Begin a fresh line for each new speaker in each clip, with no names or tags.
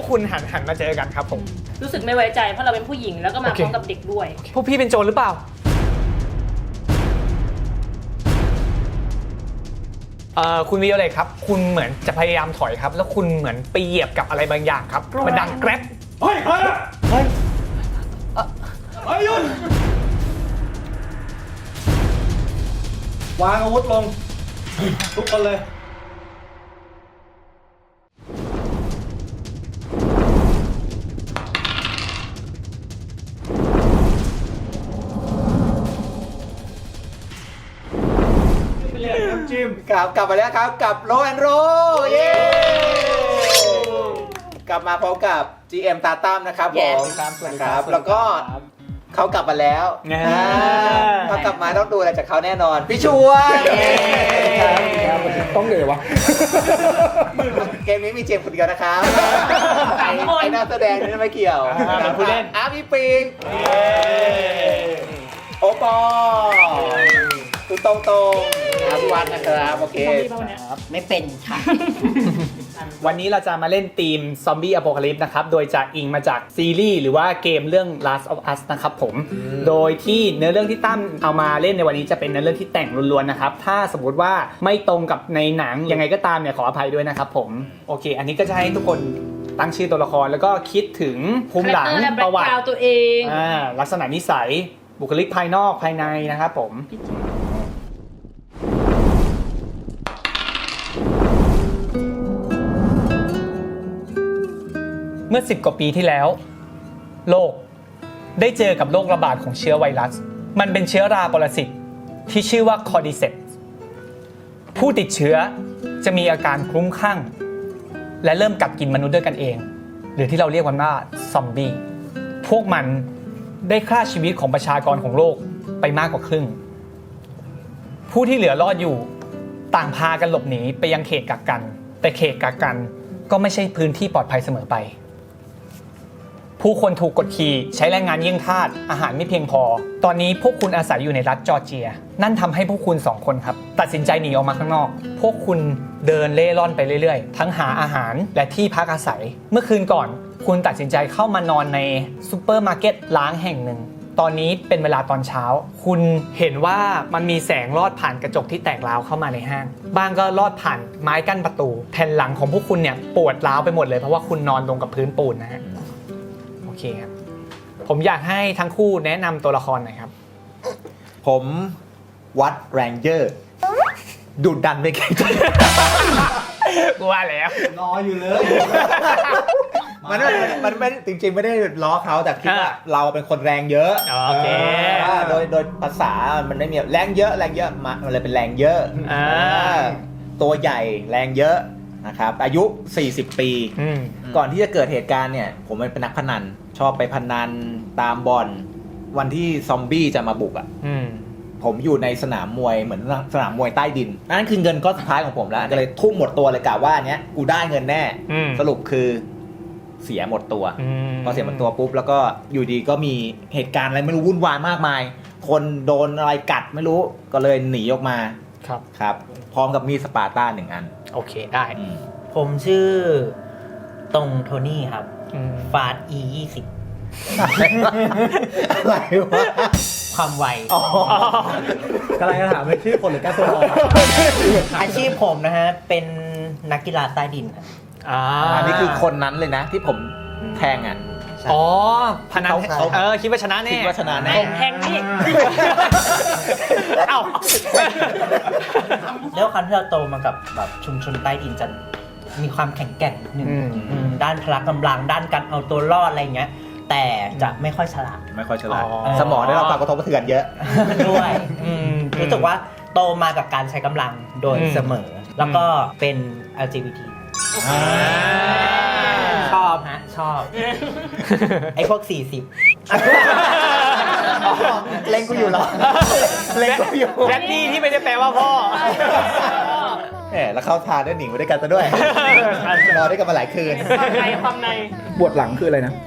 คุณหันมาเจอกันครับผม
รู้สึกไม่ไว้ใจเพราะเราเป็นผู้หญิงแล้วก็มาพร้อมกับเด็กด้วย
พวกพี่เป็นโจรหรือเปล่าคุณวิโอเลยครับคุณเหมือนจะพยายามถอยครับแล้วคุณเหมือนไปเหยียบกับอะไรบางอย่างครับมันดังแกร็บ
เฮ้ยเฮ้ยเฮ้ยหยุดวางอาวุธลงทุกคนเลย
กลับมาแล้วครับกับโรแอนโรเย้กลับมาพร้อมกับ GM ตาตั้มนะครับผมนะครับแล้วก็เขากลับมาแล้วเขากลับมาต้องดูอะไรจากเขาแน่นอนพี่ชวน
ต้องเลยวะ
เกมนี้มีเจมส์คนเดียวนะครับไอ้นักแสดงนี่ไม่เกี่ยว
เป็นผู้เล่น
พี่ปิงโอปอคุณตรงพี่วัดนะครับโอเค
ไม่เป็นค่ะ
วันนี้เราจะมาเล่นทีมซอมบี้อโพคาลิปส์นะครับโดยจะอิงมาจากซีรีส์หรือว่าเกมเรื่อง Last of Us นะครับผมโดยที่เนื้อเรื่องที่ตั้มเอามาเล่นในวันนี้จะเป็นเนื้อเรื่องที่แต่งล้วนๆนะครับถ้าสมมติว่าไม่ตรงกับในหนังยังไงก็ตามเนี่ยขออภัยด้วยนะครับผมโอเคอันนี้ก็จะให้ทุกคนตั้งชื่อตัวละครแล้วก็คิดถึงภูมิหลังประวัติ
ตัวเอง
ลักษณะนิสัยบุคลิกภายนอกภายในนะครับผมเมื่อ10 กว่าปีที่แล้วโลกได้เจอกับโรคระบาดของเชื้อไวรัสมันเป็นเชื้อราปรสิตที่ชื่อว่าคอร์ดิเซปส์ผู้ติดเชื้อจะมีอาการคลุ้มคลั่งและเริ่มกัดกินมนุษย์ด้วยกันเองหรือที่เราเรียกกันว่าซอมบี้พวกมันได้ฆ่าชีวิตของประชากรของโลกไปมากกว่าครึ่งผู้ที่เหลือรอดอยู่ต่างพากันหลบหนีไปยังเขตกักกันแต่เขตกักกันก็ไม่ใช่พื้นที่ปลอดภัยเสมอไปผู้คนถูกกดขี่ใช้แรงงานเยี่ยงทาสอาหารไม่เพียงพอตอนนี้พวกคุณอาศัยอยู่ในรัฐจอร์เจียนั่นทำให้พวกคุณ2 คนครับตัดสินใจหนีออกมาข้างนอกพวกคุณเดินเล่ร่อนไปเรื่อยๆทั้งหาอาหารและที่พักอาศัยเมื่อคืนก่อนคุณตัดสินใจเข้ามานอนในซูเปอร์มาร์เก็ตร้างแห่งหนึ่งตอนนี้เป็นเวลาตอนเช้าคุณเห็นว่ามันมีแสงลอดผ่านกระจกที่แตกร้าวเข้ามาในห้างบ้างก็ลอดผ่านไม้กั้นประตูแผ่นหลังของพวกคุณเนี่ยปวดร้าวไปหมดเลยเพราะว่าคุณนอนลงกับพื้นปูนนะฮะโอเคครับผมอยากให้ทั้งคู่แนะนำตัวละครหน่อยครับ
ผมวัดแรงเจอร์ดุดันไปแข่ง
กูว่าแล้ว
รออยู่เลย
มันไม่จริงๆไม่ได้ล้อเขาแต่คิดว่าเราเป็นคนแรงเยอะ
โอเค
โดยภาษามันไม่มีแรงเยอะมันเลยเป็นแรงเยอะตัวใหญ่แรงเยอะนะครับอายุ40 ปีก่อนที่จะเกิดเหตุการณ์เนี่ยผมเป็นนักพนันชอบไปพนันตามบ่อนวันที่ซอมบี้จะมาบุกผมอยู่ในสนามมวยเหมือนสนามมวยใต้ดินนั่นคือเงินก้อนสุดท้ายของผมแล้วก็เลยทุ่มหมดตัวเลยกะว่าเนี้ยกูได้เงินแน่สรุปคือเสียหมดตัวพอเสียหมดตัวปุ๊บแล้วก็อยู่ดีก็มีเหตุการณ์อะไรไม่รู้วุ่นวายมากมายคนโดนอะไรกัดไม่รู้ก็เลยหนีออกมาครับพร้อมกับมีดสปาร์ต้า1 อัน
โอเคได้
ผมชื่อตรงโทนี่ครับฟาด E20
อะไรวะ
ความไว
กำลังจะถามว่าชื่อคนหรือการตัวละคร
อาชีพผมนะฮะเป็นนักกีฬาใต้ดินครับ
อันนี้คือคนนั้นเลยนะที่ผมแทงอ่ะ
อ๋อพนันคิดว่าชนะแน่
คิดว่าชนะแน่
ผมแทงนี่
เอ้า
แล้วคันที่เราโตมากับแบบชุมชนใต้ดินจะมีความแข็งแกร่งนิดนึงด้านพละกำลังด้านการเอาตัวรอดอะไรเงี้ยแต่จะไม่ค่อยฉลาด
สมองได้รับความกระทบกระเทือนเยอะ
ด้วยรู้สึกว่าโตมากับการใช้กำลังโดยเสมอแล้วก็เป็น LGBT ชอบไอ้พวก40
เล่นกูอยู่หรอ
เล่นกูอยู่แรดดี้ที่ไม่ได้แปลว่าพ่อ
แล้วเข้าทานได้หนีมาด้วยกันซะด้วยรอได้กันมาหลายคืน
ความใน
บวชหลังคืออะไรนะ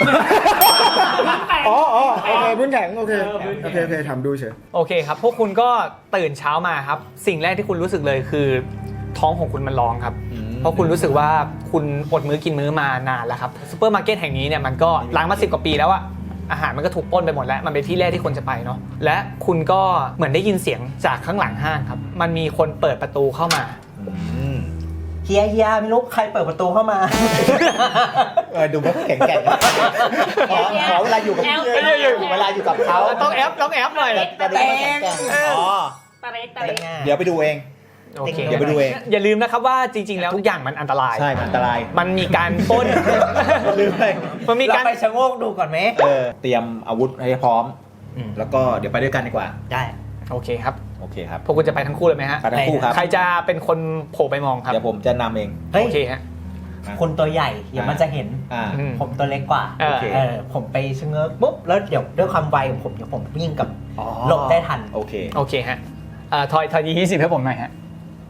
โอเคพื้นแข็งโอเคทำดูเฉย
โอเคครับพวกคุณก็ตื่นเช้ามาครับสิ่งแรกที่คุณรู้สึกเลยคือท้องของคุณมันร้องครับเพราะคุณรู้สึกว่าคุณอดมื้อกินมื้อมานานแล้วครับซูเปอร์มาร์เก็ตแห่งนี้เนี่ยมันก็ล้างมา10 กว่าปีแล้วอะอาหารมันก็ถูกปล้นไปหมดแล้วมันเป็นที่แรกที่คนจะไปเนาะและคุณก็เหมือนได้ยินเสียงจากข้างหลังห้างครับมันมีคนเปิดประตูเข้ามา
เฮียไม่รู้ใครเปิดประตูเข้ามา
ดูไม่แข็งแกร่งขอเวลาอยู่กับเวลาอยู่กับเขา
ต้องแอปหน่อย
จะดูไม่แข็งแกร่งอ๋อ
ตะเรตะเร
เดี๋ยวไปดูเอง
โอเค
เดี๋ยวไปดูเอง
อย่าลืมนะครับว่าจริง ๆ แล้วทุกอย่างมันอันตราย
ใช่มันอันตราย
มันมีการปล้น
ลืมไป
มันมี
เรา
การ
ไปชะโงกดูก่อนไหม
เตรียมอาวุธให้พร้อม
อืม
แล้วก็เดี๋ยวไปด้วยกันดีกว่า
ได้
โอเคครับ
โอเคครับ
พวกคุณจะไปทั้งคู่เลยไหมฮะ
ไปทั้งคู่ครับ
ใครจะเป็นคนโผล่ไปมองครับ
เดี๋ยวผมจะนำเอง
เฮ้ย
โอเคฮะ
คนตัวใหญ่เดี๋ยวมันจะเห็น
อืม
ผมตัวเล็กกว่า
โอเค
ผมไปชะเง้อปุ๊บแล้วเดี๋ยวด้วยความไวของผมเดี๋ยวผมวิ่งกับหลบได้ทัน
โอเค
โอเคฮะทอยดี20ให้ผมหน่อยฮะ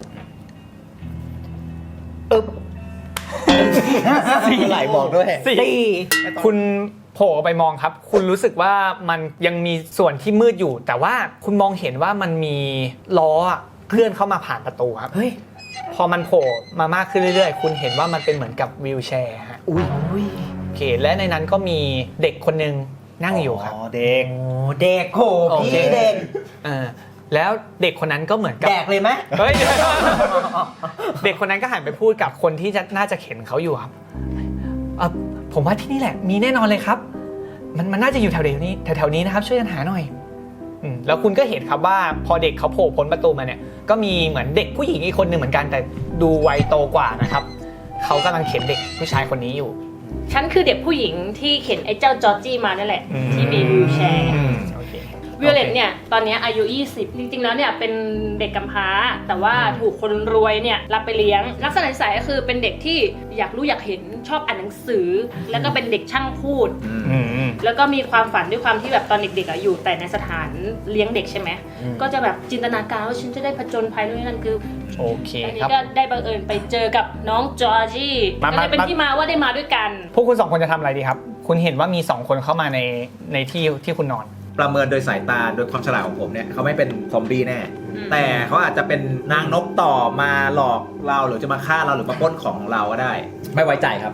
ไหลบอกด้วย
คุณโผล่ออกไปมองครับ คุณรู้สึกว่ามันยังมีส่วนที่มืดอยู่ แต่ว่าคุณมองเห็นว่ามันมีล้อเคลื่อนเข้ามาผ่านประตูครับ
เฮ้ย
พอมันโผล่มามากขึ้นเรื่อยๆ คุณเห็นว่ามันเป็นเหมือนกับวีลแชร์ฮะ
อุ้ย
โอเค และในนั้นก็มีเด็กคนหนึ่งนั่งอยู่ครับ
เด็ก
โอ้เด็กโห
โอเค
พี่เด็ก
แล้วเด็กคนนั้นก็เหมือนกับ
แดกเลยไหม
เฮ้ย เด็กคนนั้นก็หันไปพูดกับคนที่น่าจะเข็นเขาอยู่ครับผมว่าที่นี่แหละมีแน่นอนเลยครับ มันน่าจะอยู่แถวนี้นะครับช่วยกันหาหน่อยแล้วคุณก็เห็นครับว่าพอเด็กเขาโผล่พ้นประตูมาเนี่ยก็มีเหมือนเด็กผู้หญิงอีกคนหนึ่งเหมือนกันแต่ดูวัยโตกว่านะครับเขากำลังเข็นเด็กผู้ชายคนนี้อยู่
ฉันคือเด็กผู้หญิงที่เข็นไอ้เจ้าจอร์จี้มานั่นแหละ ที่มีวิวแชร์
โอเค
วิโอเลตเนี่ยตอนนี้อายุ 20 จริงๆแล้วเนี่ยเป็นเด็กกำพร้า แต่ว่าถูกคนรวยเนี่ยรับไปเลี้ยงลักษณะนิสัยก็คือเป็นเด็กที่อยากรู้อยากเห็นชอบอ่านหนังสือ แล้วก็เป็นเด็กช่างพูด แล้วก็มีความฝันด้วยความที่แบบตอนเด็กๆอยู่แต่ในสถานเลี้ยงเด็กใช่ไหมก็จะแบบจินตนาการว่าฉันจะได้ผจญภัยนู่นนี่นั่นคือ
โอเค
อันนี้
ครับ
ก็ได้บังเอิญไปเจอกับน้องจอร์จี้ก็เลยเป็นที่มาว่าได้มาด้วยกัน
พวกคุณสองคนจะทำอะไรดีครับคุณเห็นว่ามี2คนเข้ามาในที่คุณนอน
ประเมินโดยสายตาโดยความฉลาดของผมเนี่ยเขาไม่เป็นซอมบี้แน่ แต่เขาอาจจะเป็นนางนกต่อมาหลอกเราหรือจะมาฆ่าเราหรือมาปล้นของของเราก็ได้ ไม่ไว้ใจครับ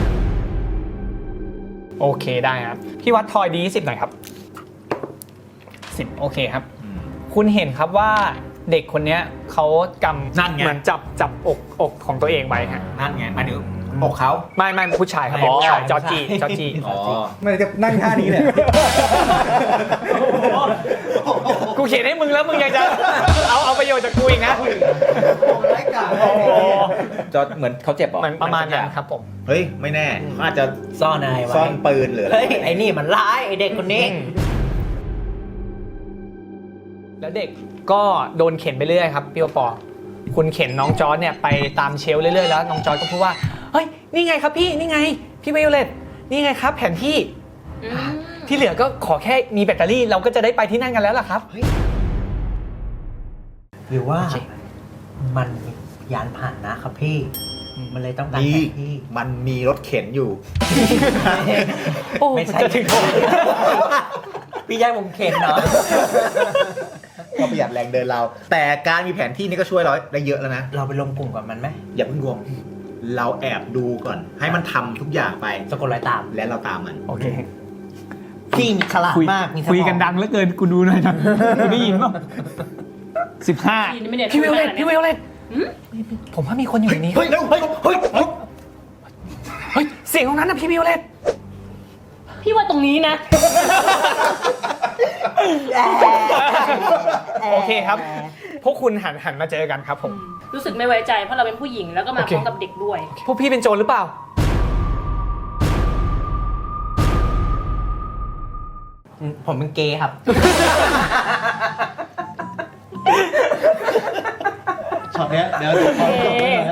โอเคได้ครับพี่วัดทอยดี10หน่อยครับ10โอเคครับคุณเห็นครับว่าเด็กคนนี้เขากำ
นั่นไง
เหมือนจับอกของตัวเองไว้ฮะ
นั่นไงมาดูอกเขา
ไม่ผู้ชายครับ
ไม่ผู้ชาย
จอร์จี้
อ๋อ
มันจะนั่งท่านี้เลย
กูเขียนให้มึงแล้วมึงยังจะเอาประโยชน์จากกูอีกนะ
ไร้กาด
จะเหมือนเขาเจ็บเหรอ
เหมือนประมาณนั้นครับผม
เฮ้ยไม่แน่เขาอาจจะ
ซ่อนอะไรไว้
ซ่อนปืนหรืออะไร
เฮ้ยไอ้นี่มันร้ายไอ้เด็กคนนี้
แล้วเด็กก็โดนเข็นไปเรื่อยครับพี่โอปอคุณเข็นน้องจอร์จเนี่ยไปตามเชลฟ์เรื่อยๆแล้วน้องจอร์จก็พูดว่าเฮ้ยนี่ไงครับพี่นี่ไงพี่ไวโอเลตนี่ไงครับแผนที่ที่เหลือก็ขอแค่มีแบตเตอรี่เราก็จะได้ไปที่นั่นกันแล้วล่ะครับ
หรือว่า
โอเค
มันยานผ่านนะครับพี่ มันเลยต้องการ
นี่
แผนที่
มันมีรถเข็นอยู่
โอ้
ไม่ใช่
จะถึงโทษ
พี่ยายผมเข็นเนาะ
ก็ประหยัดแรงเดินเรา แต่การมีแผนที่นี่ก็ช่วยเราได้เยอะแล้วนะ
เราไปรวมกลุ่มกับมันไหม
อย่าเพิ่งรวม เราแอบดูก่อน ให้มันทำทุกอย่างไป
สะกดรอยตาม
และเราตามมัน
โอเค
พี่มีฉลาดมากมีสมอง
คุยกันดังเหลือเกินกูดูหน่อยนะกูได้ยินป่ะ15พี่ไวโอเลตพี่ไวโอเลตผมว่ามีคนอยู่ในนี้
เฮ้ยเร็วเฮ้ยเฮ้ยเฮ้ย
เฮ้ยเสียงตรงนั้นนะพี่ไวโอเลต
พี่ว่าตรงนี้นะ
โอเคครับ พวกคุณหันมาเจอกันครับผม
รู้สึกไม่ไว้ใจเพราะเราเป็นผู้หญิงแล้วก็มา
โอเค
พร้อมกับเด็กด้วย
พวกพี่เป็นโจรหรือเปล่า
ผมเป็นเกย์ครับ
ช็อตเนี้ยเดี๋ยวดูความจบเลยนะ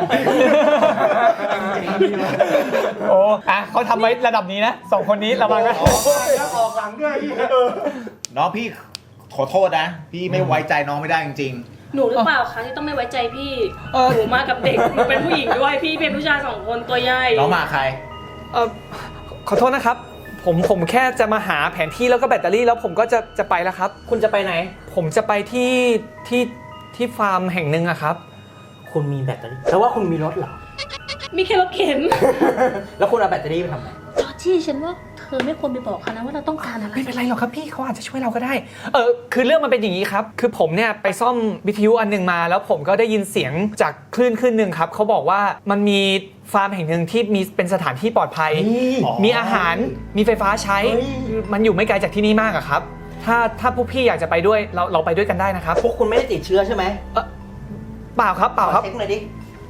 โอ้เขาทำไว้ระดับนี้นะ2คนนี้ระวังนะ
ออกหลังด้วย
น้องพี่ขอโทษนะ พี่ไม่ไว้ใจน้องไม่ได้จริง
หนูหรือเปล่าคะที่ต้องไม่ไว้ใจพี่ หนูมากับเด็ก หนูเป็นผู้หญิงด้วย พี่เป็นผู้ชาย2 คนตัวใหญ่
ๆ น้องมาใคร
ขอโทษนะครับ ผมแค่จะมาหาแผนที่แล้วก็แบตเตอรี่แล้วผมก็จะไปแล้วครับ
คุณจะไปไหน
ผมจะไปที่ฟาร์มแห่งหนึ่งอะครับ
คุณมีแบตเตอรี่แต่ว่าคุณมีรถเหรอ
มีแค่รถเข็น
แล้วคุณเอาแบตเตอรี่ไปทำไง
จอร์จี้ฉันว่าเธอไม่ควรไปบอกเขานะว่าเราต้องการอะไร
ไม่เป็นไรหรอกครับพี่เขาอาจจะช่วยเราก็ได้คือเรื่องมันเป็นอย่างนี้ครับคือผมเนี่ยไปซ่อมวิทยุอันหนึงมา แล้วผมก็ได้ยินเสียงจากคลื่นหนึ่งครับเขาบอกว่ามันมีฟาร์มแห่งหนึ่งที่มีเป็นสถานที่ปลอดภัย มีอาหารมีไฟฟ้าใช้มันอยู่ไม่ไกลจากที่นี่มากอะครับถ้าพวกพี่อยากจะไปด้วยเราไปด้วยกันได้นะครับ
พวกคุณไม่ได้ติดเชื้อใช่ไหม
เปล่าครับเปล่าครับ
ขอเช็คหน่อยดิ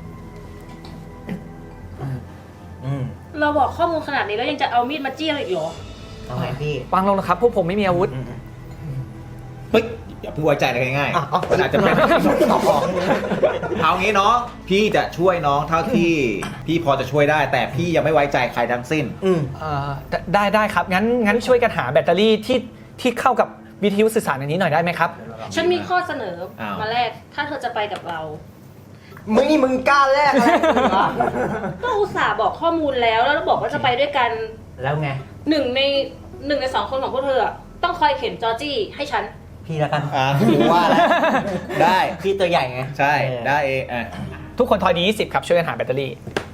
อืม
เราบอกข้อมูลขนาดนี้แล้วยังจะเอามีดมาจี้เราอีกเหรอ
เอาไงพี่
วางลงนะครับพวกผมไม่มีอาวุธ
เฮ้ยอย่าเพิ่งไว้ใจอะไรง่ายๆมันอาจจะเป็นเอางี้เนาะพี่จะช่วยน้องเท่าที่พี่พอจะช่วยได้ แต่พี่ยังไม่ไว้ใจใครทั้งสิ้น
ได้ครับงั้นช่วยกันหาแบตเตอรี่ที่เข้ากับวิทยุสื่อสารอันนี้หน่อยได้ไหมครับ
ฉันมีข้อเสนอ
อ้าว
มาแรกถ้าเธอจะไปกับเรา
มึงกล้าแลกอะไรกับมึงวะ
ก็อุตส่าห์บอกข้อมูลแล้วเราบอกว่าจะไปด้วยกัน
แล้วไง
หนึ่งในสองคนของพวกเธออะต้องคอยเข็นจอร์จี้ให้ฉัน
พี่ละกัน
กูว่าแล้วได้
พี่ตัวใหญ่ไง
ใช่
เออ
ได้เองอ่ะ
ทุกคนทอยดี20ครับช่วยกันหาแบตเตอรี่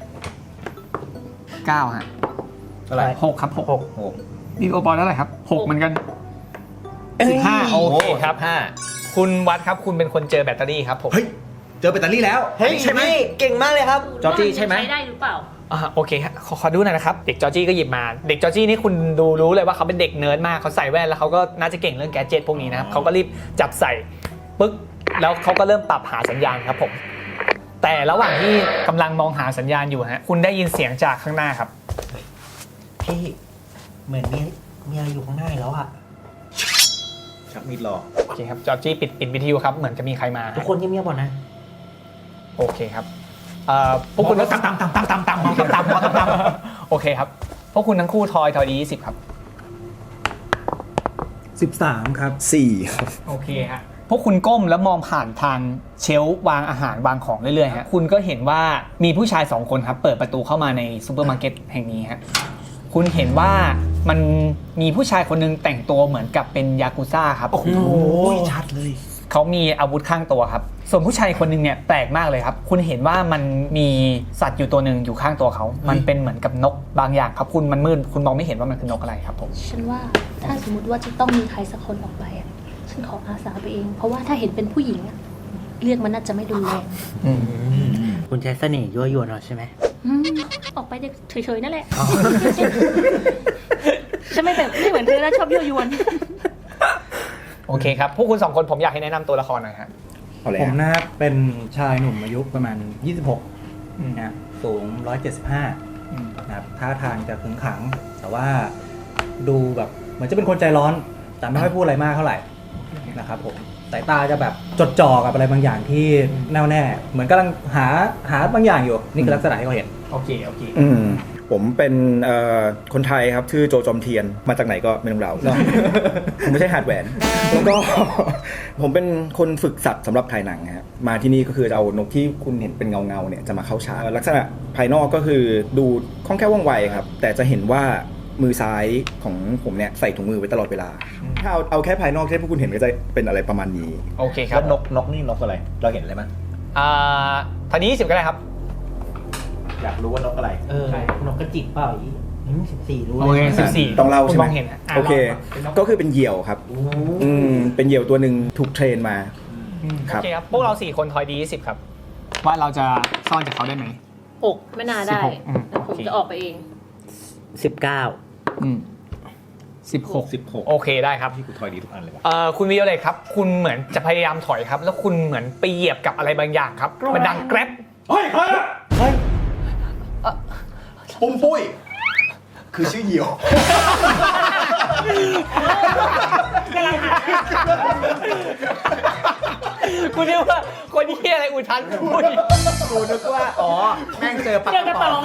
9ฮะ
เท่าไหร่
6ครับ6
โอ้โห
นี่โอปอลเท่าไหร่ครับ6เหมือนกัน15โอเคครับ
15
คุณวัดครับคุณเป็นคนเจอแบตเตอรี่ครับผม
เฮ้ยเจอแบตเตอรี่แล้ว
เฮ้ย
ใช่ไหม
พี่เก่งมากเลยครับ
จอร์จี้ใช่ไหม
ใช้ได้หรือเปล่า
โอเคฮะขอดูหน่อยนะครับเด็กจอร์จี้ก็หยิบมาเด็กจอร์จี้นี่คุณรู้เลยว่าเขาเป็นเด็กเนิร์ดมากเขาใส่แว่นแล้วเขาก็น่าจะเก่งเรื่องแกดเจ็ตพวกนี้นะครับเขาก็รีบจับใส่ปึ๊กแล้วเขาก็เริ่มปรับหาสัญญาณครับผมแต่ระหว่างที่กำลังมองหาสัญญาณอยู่ฮะคุณได้ยินเสียงจากข้างหน้าครับ
พี่เหมือนมีอะไรอยู่ข้างหน้าแล้วอะ
ชักมีดรอ
โอเคครับจอร์จี้ปิดวิทยุครับเหมือนจะมีใครมา
ทุกคนเงียบๆก่อนนะ
โอเคครับพวกคุณก็ตามโอเคครับพวกคุณทั้งคู่ทอยดี20ครับ
13 ครับ 4 ครับ
โอเคฮะพวกคุณก้มแล้วมองผ่านทางเชลฟ์วางอาหารวางของเรื่อยๆฮะคุณก็เห็นว่ามีผู้ชาย2คนครับเปิดประตูเข้ามาในซูเปอร์มาร์เก็ตแห่งนี้ฮะคุณเห็นว่ามันมีผู้ชายคนนึงแต่งตัวเหมือนกับเป็นยากุซ่าครับ
โอ้ยชัดเลย
เขามีอาวุธข้างตัวครับส่วนผู้ชายคนนึงเนี่ยแปลกมากเลยครับคุณเห็นว่ามันมีสัตว์อยู่ตัวหนึ่งอยู่ข้างตัวเขามันเป็นเหมือนกับนกบางอย่างครับคุณมันมืดคุณมองไม่เห็นว่ามันคือนกอะไรครับผม
ฉันว่าถ้าสมมติว่าจะต้องมีใครสักคนออกไปอ่ะฉันขออาสาไปเอง เพราะว่าถ้าเห็นเป็นผู้หญิงอ่ะเรียกมันน่าจะไม่รุนแรง
คุณใช้เสน่ห์ยั่วยวนเราใช่ไหม
อืมออกไปเฉยๆนั่นแหละฉันไม่เหมือนเธอแล้วชอบยั่วยวน
โอเคครับพวกคุณ2คนผมอยากให้แนะนำตัวละครหน่อยฮะ
ผมนะครับเป็นชายหนุ่มอายุประมาณ 26นะสูง 175นะครับท่าทางจะขึงขัง แต่ว่าดูแบบเหมือนจะเป็นคนใจร้อน แต่ไม่ค่อยพูดอะไรมากเท่าไหร่นะครับผมสายตาจะแบบจดจ่อกับอะไรบางอย่างที่แน่วแน่ เหมือนกำลังหาบางอย่างอยู่นี่คือลักษณะที่เขาเห็น
โอเค
ผมเป็นคนไทยครับชื่อโจจอมเทียนมาจากไหนก็ไม่รู้เรา ผมไม่ใช่หาดแหวน แล้วก็ ผมเป็นคนฝึกสัตว์สำหรับถ่ายหนังครับมาที่นี่ก็คือจะเอานกที่คุณเห็นเป็นเงาเนี่ยจะมาเข้าฉากลักษณะภายนอกก็คือดูคล่องแคล่วว่องไวครับแต่จะเห็นว่ามือซ้ายของผมเนี่ยใส่ถุงมือไว้ตลอดเวลาถ้าเอาแค่ภายนอกที่พวกคุณเห็นก็จะเป็นอะไรประมาณนี้
โอเคค
แล้
รับ
วนกนี่นกอะไร เราเห็นอะไรมั้ย
ทอยดี20ก็ได้ครับ
อยากรู้ว่านกอะไร
นกกระจิบเปล่าอี14รู้
โอเค
เลย
14
ต้องเล่าใช่ไหม
คุณองเห็นะ
โอเค
ลง
ก็คือเป็นเหยี่ยวครับเป็นเหยี่ยวตัวหนึ่งถูกเทรนมา ค
โอ
รับ
เคครับพวกเรา4คนทอยดี20ครับว่าเราจะซ่อนจากเขาได้ไหม
อกไม่น่าได้
16
แต่ผม
โอเค
จะออกไปเอง
16โอเคได้ครับ
ที่กูทอยดีทุกอันเลยวะ
คุณวิโอเลยครับ คุณเหมือนจะพยายามถอยครับ แล้วคุณเหมือนไปเหยียบกับอะไรบางอย่างครับ มันดังแกร็บ
เฮ้ยใครอะปุ้มปุ้ย คือชื่อเหยี่ยว
คุณนึกว่าคนที่อะไรอุทันพูด
กูนึกว่าอ๋อแม่งเจอปาก
เจอกระป๋อง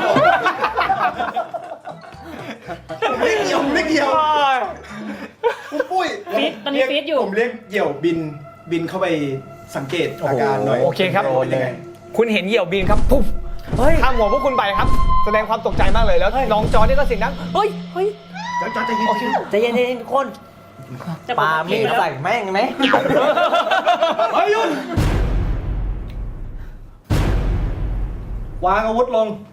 ไม่เกี่ยวไม่เกี่ยวปุ้มปุ้ย
ฟีดตอนนี้ฟีดอยู่
ผมเรียกเหยี่ยวบินเข้าไปสังเกตอาการหน่อย
โอเคครับ
เป็นยังไง
คุณเห็นเหยี่ยวบินครับปุ๊บข้ามหัวพวกคุณไปครับ แสดงความตกใจมากเลยแล้วน้องจอนี่ก็เสียงดังเฮ้ย
จอจะยิน
ใจเย็นๆทุกคน
จะ
ปามีดใส่แม่งไหม
เฮ้ยหยุดวางอาวุธลง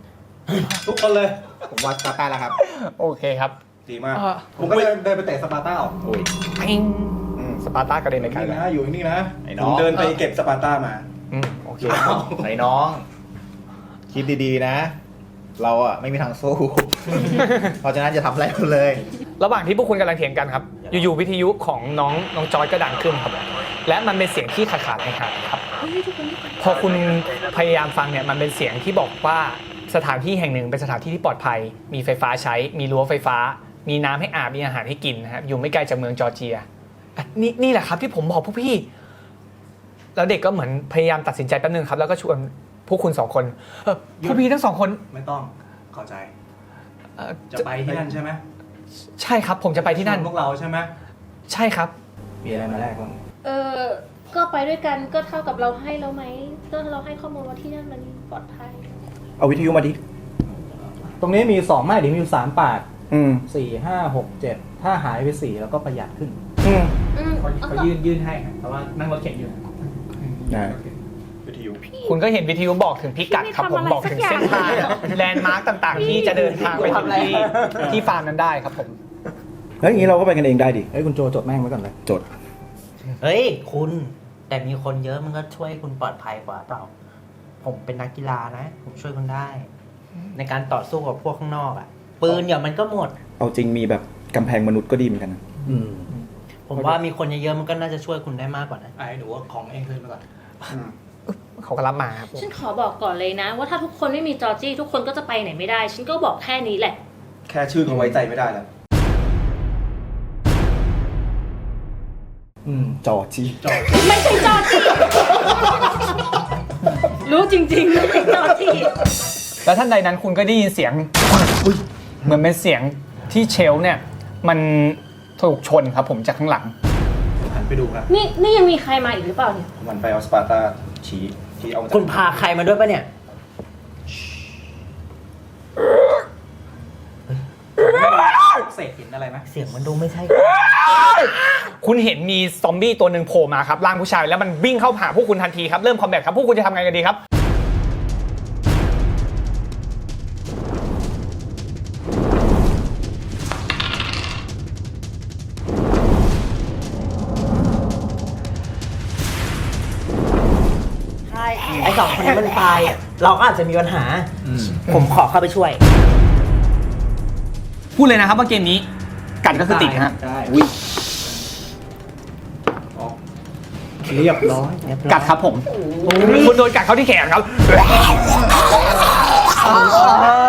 ทุกคนเลย
ผมว่าสปาร์ตาแล้วครับ
โอเคครับ
ดีมาก
อ่า
ผมก็เดินไปเตะสปาร์ต้าออก
อุ้ย
ปิงสปาร์ตากระเด็นไปไกล
นี่
เลย
นะอยู่นี่นะ
ไอ้น้
ผ
อง
มเดินไปเก็บสปาร์ต้ามา
โอเค
ไอ้น้อง คิดดีๆนะ เราอะไม่มีทางสู้ เพราะฉะนั้นจะทำอะไรกันเลย
ระหว่างที่พวกคุณกำลังเถียงกันครับ อยู่ๆวิทยุของน้องจอยก็ดังขึ้นครับ และมันเป็นเสียงที่ขาดๆหายๆครับ พอคุณพยายามฟังเนี่ยมันเป็นเสียงที่บอกว่าสถานที่แห่งหนึ่งเป็นสถานที่ที่ปลอดภัย มีไฟฟ้าใช้ มีรั้วไฟฟ้า มีน้ำให้อาบมีอาหารให้กินนะครับอยู่ไม่ไกลจากเมืองจอร์เจียอ่ะนี่แหละครับที่ผมบอกพวกพี่ แล้วเด็กก็เหมือนพยายามตัดสินใจแป๊บนึงครับ แล้วก็ชวนพวกคุณ2 คนพวกพี่ทั้ง2 คน
ไม่ต้องเข้าใจ
เอ่อ
จะไปที่นั่นใช่ไหม
ใช่ครับ ผมจะไปที่นั่น
ชวพวกเราใช่ไหม
ใช่ครับ
มีอะไรมาแลกบ้าง
ก็ไปด้วยกันก็เท่ากับเราให้แล้วไหมก็เราให้ข้อมูลว่าที่นั่นมันปลอดภัย
เอาวิทยุมาดิ
ตรงนี้มี2ไม้เดี๋ยวมีอยู่3ปาก
อืม
4 5 6 7ถ้าหายไป4แล้วก็ประหยัดขึ้น
อืม
เขายื่นให้ครับแต่ว่านั่งรถเข็นอยู่
ได้
วิทยุ
คุณก็เห็นวิทยุบอกถึงพิกัดครับผมบอกถึงเส้นทางแลนด์มาร์กต่างๆ ที่จะเดินทางไปถึงที่ฟาร์มนั้นได้ครับผม
แล้วอย่างนี้เราก็ไปกันเองได้ดิ
เฮ้ยคุณโจจดแม่งไว้ก่อนเลย
จด
เฮ้ยคุณแต่มีคนเยอะมันก็ช่วยคุณปลอดภัยกว่าเปล่า ผมเป็นนักกีฬานะ ผมช่วยคุณได้ ในการต่อสู้กับพวกข้างนอกอ่ะ ปืนเดี๋ยวมันก็หมด
เอาจริงมีแบบกำแพงมนุษย์ก็ดีเหมือนกันนะ
ผมว่ามีคนเยอะๆมันก็น่าจะช่วยคุณได้มากกว่านะ
ไอ้หนูเอาของเองขึ้นมาก่อน
เขาก็รับมาครับผม
ฉันขอบอกก่อนเลยนะ ว่าถ้าทุกคนไม่มีจอร์จี้ทุกคนก็จะไปไหนไม่ได้ ฉันก็บอกแค่นี้แหละ
แค่ชื่อเขาไว้ใจไม่ได้แล้ว จอจี
ไม่ใช่จอร์จี้ รู้จริงๆไม่ใช่จอร์จี้
แล้วท่านใดนั้นคุณก็ได้ยินเสียงเหมือนเป็นเสียงที่เชลฟ์เนี่ยมันถูกชนครับผมจากข้างหลัง
หันไปดูครับ
นี่ยังมีใครมาอีกหรือเปล่าเนี่ย
มันไปเอาสปาร์ตาชี้เอาจาก
คุณพาใครมาด้วยปะเนี่ย
เศษหินอะไรไหม
เสียงมันดูไม่ใช่
คุณเห็นมีซอมบี้ตัวหนึ่งโผล่มาครับร่างผู้ชายแล้วมันวิ่งเข้าหาพวกคุณทันทีครับเริ่มคอมแบทครับพวกคุณจะทำไงกันดีครับ
ใช่ ไอ้2 คนนี้มันตาย เราก็อาจจะมีปัญหา ผมขอเข้าไปช่วย
พูดเลยนะครับว่าเกมนี้กัดก็คือติดนะฮะ
ได้เรียบร้อย
กัดครับผมคุณโดนกัดเข้าที่แขนครับ